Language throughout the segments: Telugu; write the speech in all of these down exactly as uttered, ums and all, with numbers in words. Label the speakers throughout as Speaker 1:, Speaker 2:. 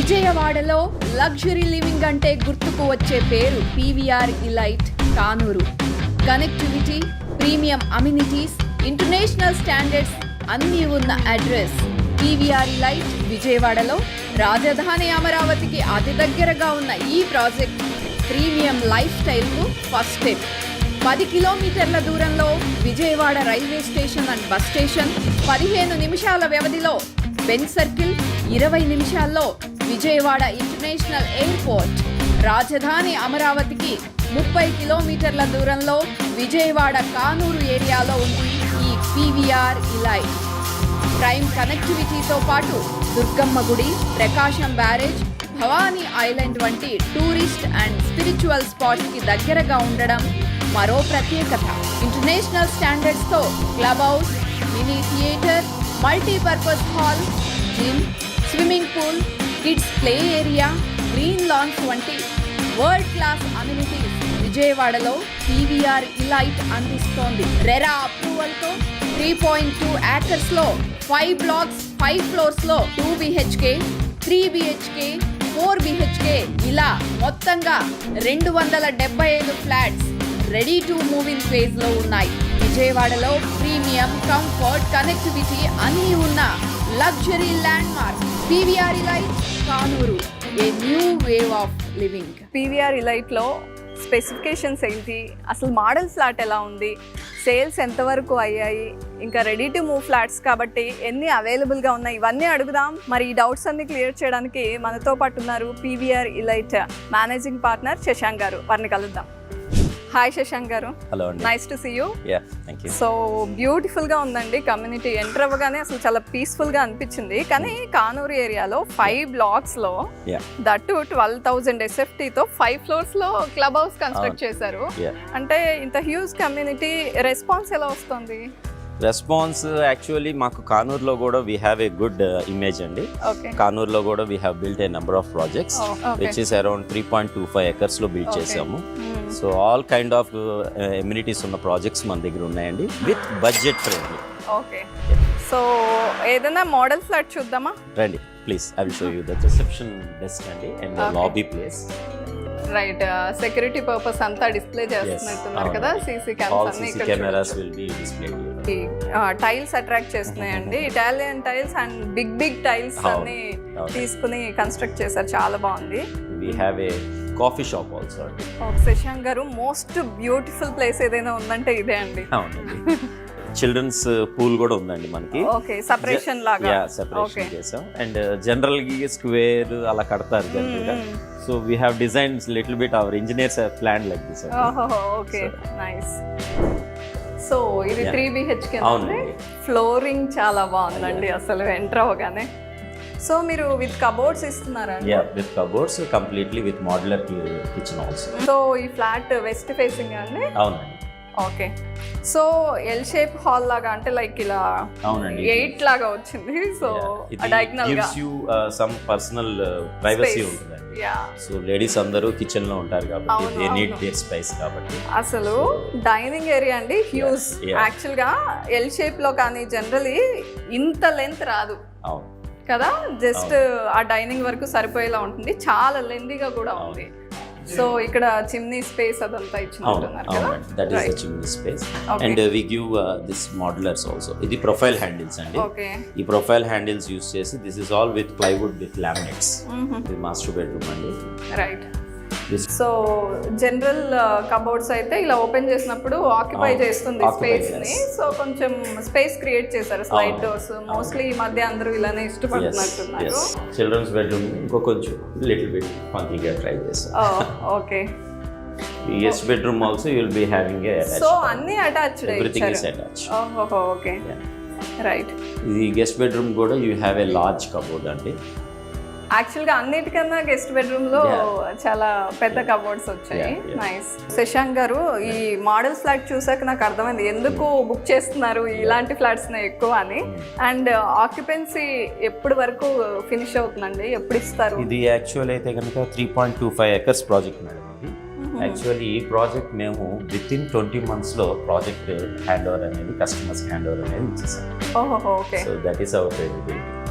Speaker 1: విజయవాడలో లగ్జరీ లివింగ్ అంటే గుర్తుకు వచ్చే పేరు PVR Elite Kanuru. Connectivity, premium amenities, international standards అన్నీ ఉన్న అడ్రస్ పీవీఆర్ ఇలైట్ విజయవాడలో. రాజధాని అమరావతికి అతి దగ్గరగా ఉన్న ఈ ప్రాజెక్ట్ ప్రీమియం లైఫ్ స్టైల్కు ఫస్ట్ స్టెప్. పది కిలోమీటర్ల దూరంలో Vijayawada railway station and bus station, పదిహేను నిమిషాల వ్యవధిలో బెంచ్ సర్కిల్, ఇరవై నిమిషాల్లో విజయవాడ ఇంటర్నేషనల్ ఎయిర్పోర్ట్. రాజధాని అమరావతికి ముప్పై కిలోమీటర్ల దూరంలో విజయవాడ కానూరు ఏరియాలో ఉంది ఈ పీవీఆర్ ఇలైట్. ప్రైమ్ కనెక్టివిటీతో పాటు దుర్గమ్మ గుడి, ప్రకాశం బ్యారేజ్, భవానీ ఐలాండ్ వంటి టూరిస్ట్ అండ్ స్పిరిచువల్ స్పాట్స్కి దగ్గరగా ఉండడం మరో ప్రత్యేకత. ఇంటర్నేషనల్ స్టాండర్డ్స్తో club house, mini theatre, multipurpose hall, gym, swimming pool, kids play area, green lawns వంటి వరల్డ్ క్లాస్ అమ్యూనిటీస్ విజయవాడలో పీవీఆర్ ఇలైట్ అందిస్తోంది. రెరా అప్రూవల్తో త్రీ పాయింట్ టూ ఏకర్స్లో ఫైవ్ బ్లాక్స్, ఫైవ్ ఫ్లోర్స్లో two BHK, three BHK, four BHK ఇలా మొత్తంగా రెండు వందల డెబ్బై ఐదు flats ready to move in ఫేజ్లో ఉన్నాయి. విజయవాడలో ప్రీమియం, కంఫర్ట్, కనెక్టివిటీ అన్నీ ఉన్న luxury landmark PVR Elite Kanuru. A new wave of living.
Speaker 2: పీవీఆర్ ఇలైట్లో స్పెసిఫికేషన్స్ ఏంటి, అసలు మోడల్ ఫ్లాట్ ఎలా ఉంది, సేల్స్ ఎంతవరకు అయ్యాయి, ఇంకా రెడీ టు మూవ్ ఫ్లాట్స్ కాబట్టి ఎన్ని అవైలబుల్గా ఉన్నాయి, ఇవన్నీ అడుగుదాం. మరి ఈ డౌట్స్ అన్ని క్లియర్ చేయడానికి మనతో పాటు ఉన్నారు PVR Elite managing partner Shashank గారు. వారిని కలుద్దాం. హాయ్ శశాంక్ గారు.
Speaker 3: హలో అండి.
Speaker 2: Nice to see you.
Speaker 3: Ya, thank you.
Speaker 2: So బ్యూటిఫుల్గా ఉందండి కమ్యూనిటీ. ఎంటర్ అవ్వగానే అసలు చాలా పీస్ఫుల్గా అనిపించింది. కానీ కానూరు ఏరియాలో ఫైవ్ బ్లాక్స్లో దట్టు ట్వెల్వ్ థౌజండ్ ఎస్ఎఫ్టీతో ఫైవ్ ఫ్లోర్స్లో క్లబ్ హౌస్ కన్స్ట్రక్ట్ చేశారు. అంటే ఇంత హ్యూజ్ కమ్యూనిటీ, రెస్పాన్స్ ఎలా వస్తుంది?
Speaker 3: రెస్పాన్స్ యాక్చువల్లీ మాకు కానూరులో కూడా we have a good image అండి. కానూరులో కూడా we have built a number of projects which is around three point two five acres లో బిల్డ్ చేసాము. So all kind of amenities ఉన్న ప్రాజెక్ట్స్ మన దగ్గర ఉన్నాయండి with budget friendly.
Speaker 2: Okay, so ఏదైనా మోడల్ ఫ్లాట్ చూద్దామా?
Speaker 3: రండి please. I will show you the reception desk అండి and lobby place.
Speaker 2: Right, security purpose అంతా డిస్ప్లే చేస్తున్నట్టున్నారు కదా. CC
Speaker 3: cameras will be displayed.
Speaker 2: Tiles attract చేస్తున్నాయండి. Italian tiles and big big tiles అన్ని తీసుకుని కన్స్ట్రక్ట్ చేశారు. చాలా బాగుంది.
Speaker 3: We have a coffee shop also అండి.
Speaker 2: శశాంక్ గారు, మోస్ట్ బ్యూటిఫుల్ ప్లేస్ ఏదైనా ఉందంటే ఇదే అండి.
Speaker 3: అవునండి. చిల్డ్రన్స్ పూల్ కూడా ఉందండి మనకి.
Speaker 2: ఓకే, సెపరేషన్ లాగా.
Speaker 3: యా, సెపరేషన్ చేసాం. అండ్ జనరల్ గా స్క్వేర్ అలా కడతారు జనరల్గా. So we have designs little bit our engineers have planned like this.
Speaker 2: Okay, nice. So ఇది త్రీ బిహెచ్కే అండి. ఫ్లోరింగ్ చాలా బాగుందండి అసలు ఎంటర్ అవ్వగానే. సో మీరు విత్ కబోర్డ్స్ ఇస్తున్నారా?
Speaker 3: Ya, with cupboards, completely with modular kitchen also.
Speaker 2: So ఈ ఫ్లాట్ వెస్ట్ ఫేసింగ్ అండి?
Speaker 3: అవునండి.
Speaker 2: Okay, so L shape hall లాగా, అంటే లైక్ ఇలా ఎయిట్ లాగా వచ్చింది. సో డయాగ్నల్ గా
Speaker 3: gives you some personal privacy ఉంటుందండి. సో లేడీస్ అందరూ కిచెన్ లో ఉంటారు కాబట్టి దే నీడ్ దేర్ స్పేస్ కాబట్టి.
Speaker 2: అసలు డైనింగ్ ఏరియా అండి హ్యూజ్. యాక్చువల్ గా ఎల్ షేప్ లో కానీ జనరలీ ఇంత లెంత్ రాదు కదా. జస్ట్ ఆ డైనింగ్ వరకు సరిపోయేలా ఉంటుంది. చాలా లెందీగా కూడా ఉంది. సో ఇక్కడ చిమ్నీ స్పేస్ అదంతా ఇచ్చినట్టున్నారు కదా.
Speaker 3: That is the chimney space. And we give this modulars also. ఇది ప్రొఫైల్ హ్యాండిల్స్ అండి.
Speaker 2: ఓకే,
Speaker 3: ఈ ప్రొఫైల్ హ్యాండిల్స్ యూస్ చేసి this is all with plywood with laminates. ఇది మాస్టర్ బెడ్రూమ్ అండి.
Speaker 2: రైట్. సో జనరల్ కబోర్డ్స్ అయితే ఇలా ఓపెన్ చేసినప్పుడు ఆక్యుపై చేస్తుంది స్పేస్ ని. సో కొంచెం స్పేస్ క్రియేట్ చేశారు. స్లైడ్ డోర్స్ మోస్ట్లీ ఈ మధ్య అందరూ ఇలానే ఇష్టపడుతున్నట్టున్నారు.
Speaker 3: చిల్డ్రన్స్ బెడ్రూమ్ ఇంకో కొంచెం లిటిల్ బిట్ ఫంకీగా ట్రై చేశారు.
Speaker 2: Okay,
Speaker 3: guest bedroom also you will be having a attached.
Speaker 2: So అన్ని అటాచ్డ్,
Speaker 3: ఎవ్రీథింగ్ ఇస్ అటాచ్డ్.
Speaker 2: ఓహో, ఓకే, రైట్.
Speaker 3: ఇది గెస్ట్ బెడ్రూమ్ కూడా you have a large cupboard అండి.
Speaker 2: యాక్చువల్గా అన్నిటికన్నా గెస్ట్ బెడ్రూమ్ లో చాలా పెద్ద కబోర్డ్స్ వచ్చాయి. నైస్. శశాంక్ గారు, ఈ మోడల్ ఫ్లాట్ చూసాక నాకు అర్థమైంది ఎందుకు బుక్ చేస్తున్నారు ఇలాంటి ఫ్లాట్స్ ఎక్కువ అని. అండ్ ఆక్యుపెన్సీ ఎప్పటి వరకు ఫినిష్ అవుతుందండి, ఎప్పుడు ఇస్తారు?
Speaker 3: ఇది యాక్చువల్ అయితే కనుక three point two five acres project madam. ఇది యాక్చువల్లీ ఈ ప్రాజెక్ట్ మేము విత్ ఇన్ ట్వంటీ మంత్స్ లో ప్రాజెక్ట్ హ్యాండ్ ఓవర్ అనేది కస్టమర్స్ హ్యాండ్ ఓవర్ అనేది ఇచ్చేసాం.
Speaker 2: ఓహో, okay.
Speaker 3: So that is our credibility.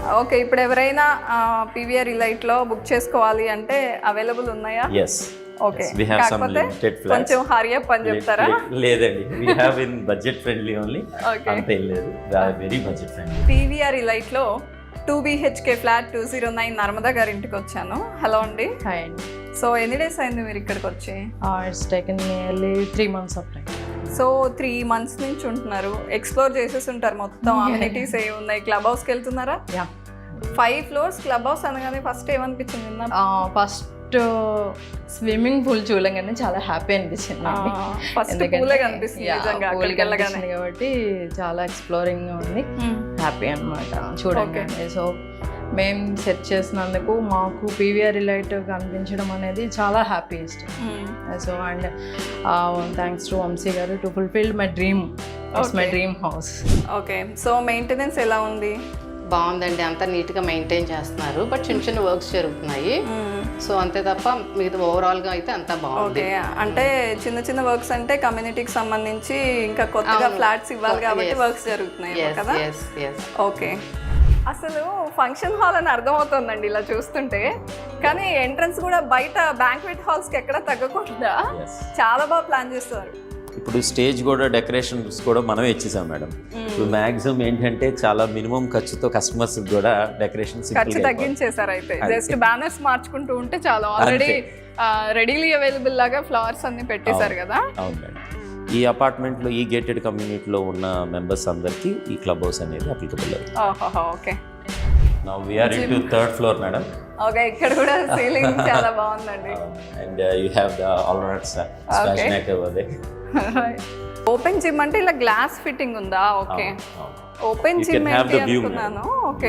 Speaker 2: Okay, ఇప్పుడు ఎవరైనా పీవీఆర్ ఇలైట్ లో బుక్ చేసుకోవాలి అంటే అవైలబుల్ ఉన్నాయా?
Speaker 3: Yes,
Speaker 2: okay,
Speaker 3: we have some
Speaker 2: కాకపోతే
Speaker 3: limited flats.
Speaker 2: కొంచెం హరి అప్ అని చెప్తారా?
Speaker 3: లేదండి, we have in budget friendly only.
Speaker 2: Okay.
Speaker 3: అంతే లేదు, very budget friendly.
Speaker 2: PVR Elite లో two BHK flat two zero nine Narmada గారి ఇంటికి వచ్చాను. హలో అండి.
Speaker 4: హాయ్ అండి.
Speaker 2: సో ఎన్ని డేస్ అయింది మీరు ఇక్కడికి వచ్చి?
Speaker 4: It's taken nearly three months of time.
Speaker 2: So three months నుంచి ఉంటున్నారు, ఎక్స్ప్లోర్ చేసేసి ఉంటారు మొత్తం. అమ్యూనిటీస్ ఏ ఉన్నాయి? క్లబ్ హౌస్కి వెళ్తున్నారా?
Speaker 4: Ya,
Speaker 2: five floors club house అనగానే ఫస్ట్ ఏమనిపించింది?
Speaker 4: ఫస్ట్ స్విమ్మింగ్ పూల్ చూడగానే చాలా హ్యాపీ అనిపించింది నాకు.
Speaker 2: ఫస్ట్ పూలే కనిపిస్తుంది నిజంగా అక్కడికి వెళ్ళగానే,
Speaker 4: కాబట్టి చాలా ఎక్స్ప్లోరింగ్ ఉంది, హ్యాపీ అనమాట చూడగానే. సో మేము సెట్ చేసినందుకు మాకు పీవీఆర్ ఇలైట్ కనిపించడం అనేది చాలా happiest. So and thanks to Vamshi గారు to fulfil my dream, it's my dream house.
Speaker 2: Okay, so maintenance ఎలా ఉంది?
Speaker 5: బాగుందండి, అంతా నీట్గా మెయింటైన్ చేస్తున్నారు, బట్ చిన్న చిన్న వర్క్స్ జరుగుతున్నాయి. సో అంతే తప్ప మిగతా ఓవరాల్గా అయితే అంతా బాగుంది.
Speaker 2: ఓకే, అంటే చిన్న చిన్న వర్క్స్ అంటే కమ్యూనిటీకి సంబంధించి ఇంకా కొత్తగా ఫ్లాట్స్ ఇవ్వాలి కాబట్టి వర్క్స్ జరుగుతున్నాయి కదా? ఓకే, అసలు ఫంక్షన్ హాల్ అని అర్థమవుతుందండి ఇలా చూస్తుంటే, కానీ ఎంట్రన్స్ కూడా బయట బ్యాంక్వెట్ హాల్స్కి ఎక్కడ తగ్గకుండా చాలా బాగా ప్లాన్ చేస్తారు.
Speaker 3: ఇప్పుడు స్టేజ్ కూడా డెకరేషన్స్ కూడా మనమే ఇచ్చేసాం మేడం. ఇప్పుడు మ్యాక్సిమం ఏంటంటే చాలా మినిమం ఖర్చుతో కస్టమర్స్ కూడా డెకరేషన్
Speaker 2: ఖర్చు తగ్గించేసారు. అయితే జస్ట్ బ్యానర్స్ మార్చుకుంటూ ఉంటే చాలా ఆల్రెడీ రెడీలీ అవైలబుల్ లాగా ఫ్లవర్స్ అన్ని పెట్టేశారు కదా.
Speaker 3: అవును మేడం, ఈ అపార్ట్మెంట్లో ఈ గేటెడ్ కమ్యూనిటీలో ఉన్న మెంబర్స్ అందరికీ ఈ క్లబ్ హౌస్ అనేది applicable.
Speaker 2: Okay,
Speaker 3: now we are into third floor madam.
Speaker 2: Okay, ఇక్కడ కూడా సీలింగ్ చాలా బాగుందండి.
Speaker 3: And you have the all right splash neck over they.
Speaker 2: Open gym అంటే ఇలా గ్లాస్ ఫిట్టింగ్ ఉందా? ఓకే, ఓపెన్ జిమ్ ఏంటి అనుకున్నాను. Okay,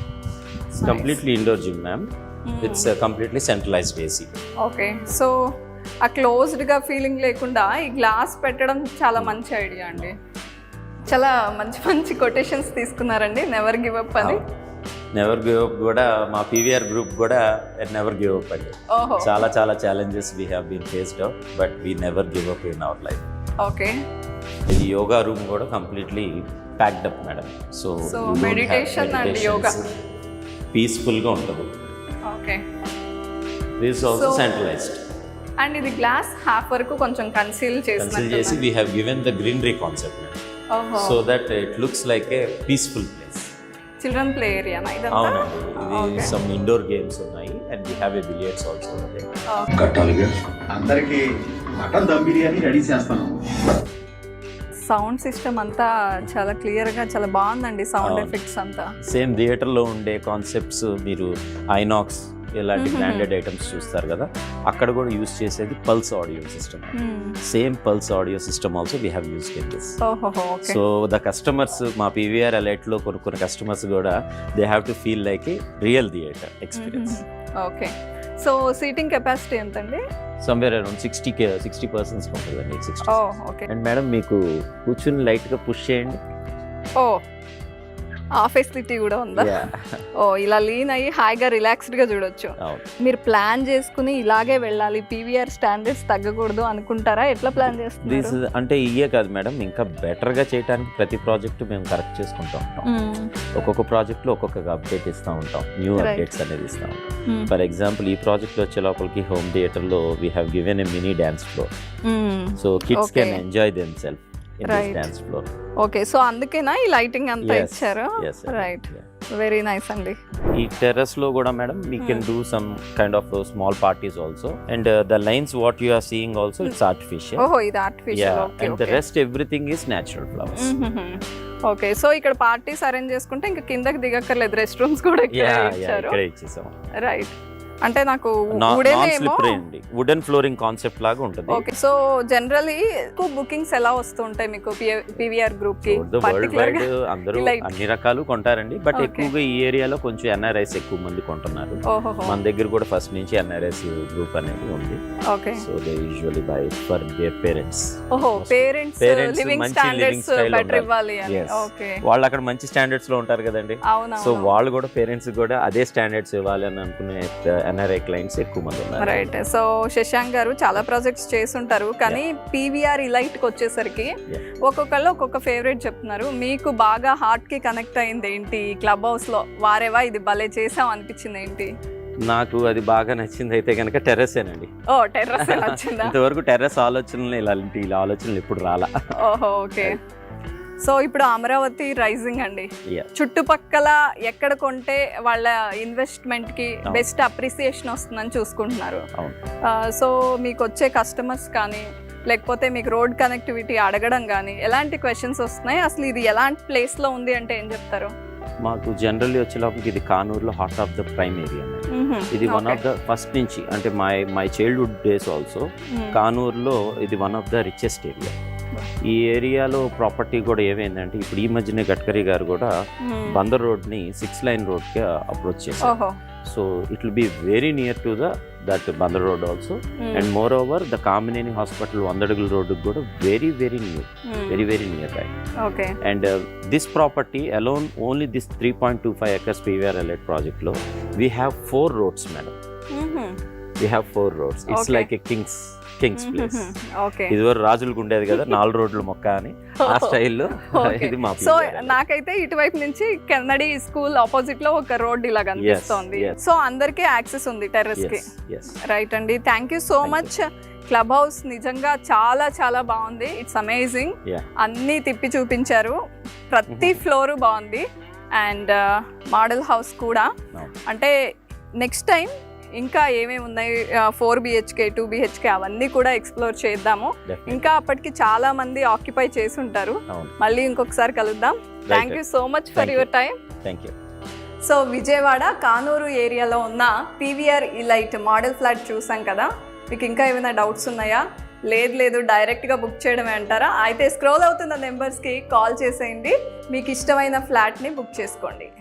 Speaker 3: completely indoor gym ma'am, it's completely centralised AC.
Speaker 2: Okay, so ఆ క్లోజ్డ్ గా ఫీలింగ్ లేకుండా ఈ గ్లాస్ పెట్టడం చాలా మంచి ఐడియా అండి. చాలా మంచి మంచి కొటేషన్స్ తీసుకున్నారండి. నెవర్ గివ్ అప్ అని.
Speaker 3: నెవర్ గివ్ అప్ కూడా మా పీవీఆర్ గ్రూప్ కూడా నెవర్ గివ్ అప్ అండి. చాలా చాలా challenges we have been faced out, but we never give up in our life.
Speaker 2: Okay,
Speaker 3: ఇది యోగా రూమ్ కూడా completely packed up madam. So
Speaker 2: meditation and yoga
Speaker 3: పీస్ఫుల్గా ఉంటుంది.
Speaker 2: Okay,
Speaker 3: this also centralised.
Speaker 2: And ఇది గ్లాస్ హాఫ్ వరకు కొంచెం కన్సీల్
Speaker 3: కన్సీల్ చేసి we have given the greenery concept madam, so that it looks like a peaceful place.
Speaker 2: Children play area ఇదంతా?
Speaker 3: అవునండి, ఇది సమ్ ఇండోర్ గేమ్స్ ఉన్నాయి and we have a billiards also.
Speaker 6: కట్టాలిగా అందరికి మటన్ దమ్ బిర్యానీ రెడీ చేస్తాను.
Speaker 2: సౌండ్ సిస్టమ్ అంతా చాలా క్లియర్గా చాలా బాగుందండి. సౌండ్ ఎఫెక్ట్స్ అంతా
Speaker 3: సేమ్ థియేటర్లో ఉండే కాన్సెప్ట్స్ మీరు ఐనాక్స్ ఇలాంటి బ్రాండెడ్ ఐటమ్స్ చూస్తారు కదా, అక్కడ కూడా యూస్ చేసేది Pulse audio system. Same Pulse audio system also we have used in this. So the customers మా పీవీఆర్ ఎలైట్లో కొనుక్కున్న కస్టమర్స్ కూడా they have to feel like a real theatre experience.
Speaker 2: Okay, so seating capacity ఎంతండి?
Speaker 3: Somewhere around sixty K sixty percents ఉంటుందండి. సిక్స్టీ.
Speaker 2: ఓకే,
Speaker 3: అండ్ మేడం మీకు కూర్చుని లైట్గా పుష్ చేయండి.
Speaker 2: ఓ, ఆ ఫెసిలిటీ కూడా ఉందా? ఓ, ఇలా లీన్ అయ్యి హాయిగా రిలాక్స్డ్ గా చూడొచ్చు. మీరు ప్లాన్ చేసుకుని ఇలాగే వెళ్ళాలి, పీవీఆర్ స్టాండర్డ్స్ తగ్గకూడదు అనుకుంటారా? ఎట్లా ప్లాన్ చేస్తున్నారు?
Speaker 3: అంటే ఇయే కాదు మేడం, ఇంకా బెటర్ గా చేయడానికి ప్రతి ప్రాజెక్ట్ మేము కరెక్ట్ చేసుకుంటూ ఉంటాం. ఒక్కొక్క ప్రాజెక్ట్ లో ఒక్కొక్క అప్డేట్ ఇస్తూ ఉంటాం, న్యూ అప్డేట్స్ అనేది ఇస్తూ ఉంటాం. ఫర్ ఎగ్జాంపుల్ ఈ ప్రాజెక్ట్ లో వచ్చే లోపలికి హోమ్ థియేటర్ లో we have given a mini dance floor, so kids can enjoy themselves in this dance floor.
Speaker 2: Okay, so అందుకేనా ఈ లైటింగ్ అంతా ఇచ్చారు? రైట్, వెరీ నైస్ అండి.
Speaker 3: ఈ టెర్రస్ లో కూడా madam we can do some kind of small parties also, and the lines what you are seeing also it's artificial.
Speaker 2: ఓహో, ఇది artificial. Okay,
Speaker 3: and the rest everything is natural flowers.
Speaker 2: Okay, so ఇక్కడ పార్టీస్ అరేంజ్ చేసుకుంటే ఇంకా కిందకి దిగక్కర్లేదు, రెస్ట్ రూమ్స్ కూడా ఇక్కడే ఇచ్చారు. రైట్, అంటే నాకు
Speaker 3: వుడెన్ ఫ్లోరింగ్ కాన్సెప్ట్ లాగా ఉంటుంది.
Speaker 2: ఓకే, సో జనరల్లీ ఎక్కువ బుకింగ్స్ ఎలా వస్తుంటాయి మీకు పీవీఆర్ గ్రూప్ కి?
Speaker 3: అందరూ అన్ని రకాలు కొంటారండి, బట్ ఎక్కువగా ఈ ఏరియాలో కొంచెం ఎన్ఆర్ఐస్ ఎక్కువ మంది కొంటున్నారు. మన దగ్గర కూడా ఫస్ట్ నుంచి ఎన్ఆర్ఐస్ గ్రూప్ అనేది ఉంది.
Speaker 2: Okay,
Speaker 3: so they usually buy for their parents.
Speaker 2: ఓహో, పేరెంట్స్ లివింగ్ స్టాండర్డ్స్ బెటర్ ఇవ్వాలి అని. ఓకే,
Speaker 3: వాళ్ళు అక్కడ మంచి స్టాండర్డ్స్ లో ఉంటారు కదండి, సో వాళ్ళు కూడా పేరెంట్స్ కూడా అదే స్టాండర్డ్స్ ఇవ్వాలి అని అనుకునే ఎన్ఆర్ఐ క్లయింట్స్ ఎక్కువ మంది ఉన్నారు.
Speaker 2: రైట్. సో శశాంక్ గారు చాలా ప్రాజెక్ట్స్ చేస్తుంటారు, కానీ పీవీఆర్ ఇలైట్కి వచ్చేసరికి ఒక్కొక్కళ్ళు ఒక్కొక్క ఫేవరెట్ చెప్తున్నారు. మీకు బాగా హార్ట్కి కనెక్ట్ అయింది ఏంటి క్లబ్ హౌస్లో? వారేవా ఇది భలే చేసాం అనిపించింది ఏంటి?
Speaker 3: నాకు అది బాగా నచ్చింది అయితే కనుక టెర్రసేనండి.
Speaker 2: ఓ టెర్రస్ నచ్చిందా?
Speaker 3: ఇంతవరకు టెర్రస్ ఆలోచనలు ఇలాంటి ఇలా ఆలోచనలు ఎప్పుడు రాలా.
Speaker 2: ఓహో ఓకే. సో ఇప్పుడు అమరావతి రైజింగ్ అండి,
Speaker 3: Yeah.
Speaker 2: చుట్టుపక్కల ఎక్కడ కొంటే వాళ్ళ ఇన్వెస్ట్మెంట్కి బెస్ట్ అప్రిసియేషన్ వస్తుందని చూసుకుంటున్నారు.
Speaker 3: అవును.
Speaker 2: సో మీకు వచ్చే కస్టమర్స్ కానీ లేకపోతే మీకు రోడ్ కనెక్టివిటీ అడగడం కానీ ఎలాంటి క్వశ్చన్స్ వస్తున్నాయి? అసలు ఇది ఎలాంటి ప్లేస్లో ఉంది అంటే ఏం చెప్తారు?
Speaker 3: మాకు జనరల్లీ వచ్చేలోపలికి ఇది కానూరులో heart of the prime area. ఇది వన్ ఆఫ్ ద ఫస్ట్ నుంచి అంటే my my childhood days also కానూరులో ఇది one of the richest area. ఈ ఏరియాలో ప్రాపర్టీ కూడా ఏమైందంటే ఇప్పుడు ఈ మధ్యనే గడ్కరీ గారు కూడా బందర్ రోడ్ని సిక్స్ లైన్ రోడ్కి అప్రోచ్ చేశారు. So it will be very near to the that Bandar road also, and moreover the Kamineni hospital వందడుగుల రోడ్డుకి కూడా very very near, very very nearby.
Speaker 2: Okay.
Speaker 3: And this property alone only this three point two five acres PVR Elite ప్రాజెక్ట్లో we have four roads madam. We have four roads. It's like a kings kings place. ఇదివరకు రాజులకు ఉండేది కదా నాలుగు రోడ్లు మొక్క అని, ఆ స్టైల్లో ఇది మా.
Speaker 2: సో నాకైతే ఇటువైపు నుంచి కెన్నడి స్కూల్ ఆపోజిట్ లో ఒక రోడ్ ఇలా కనిపిస్తోంది. సో అందరికీ యాక్సెస్ ఉంది టెర్రస్ కి. రైట్ అండి, thank you so much. Club house నిజంగా చాలా చాలా బాగుంది. It's amazing. అన్నీ తిప్పి చూపించారు, ప్రతి ఫ్లోరు బాగుంది. అండ్ మోడల్ హౌస్ కూడా, అంటే నెక్స్ట్ టైం ఇంకా ఏమేమి ఉన్నాయి, ఫోర్ బిహెచ్కే టూ బిహెచ్కే అవన్నీ కూడా ఎక్స్ప్లోర్ చేద్దాము. ఇంకా అప్పటికి చాలా మంది ఆక్యుపై చేసి ఉంటారు. మళ్ళీ ఇంకొకసారి కలుద్దాం. Thank you so much for your time.
Speaker 3: Thank you.
Speaker 2: So Vijayawada Kanuru ఏరియాలో ఉన్న పీవీఆర్ ఇలైట్ మోడల్ ఫ్లాట్ చూసాం కదా. మీకు ఇంకా ఏమైనా డౌట్స్ ఉన్నాయా? లేదు లేదు డైరెక్ట్గా బుక్ చేయడమే అంటారా? అయితే స్క్రోల్ అవుతున్న నెంబర్స్కి కాల్ చేసేయండి, మీకు ఇష్టమైన ఫ్లాట్ని బుక్ చేసుకోండి.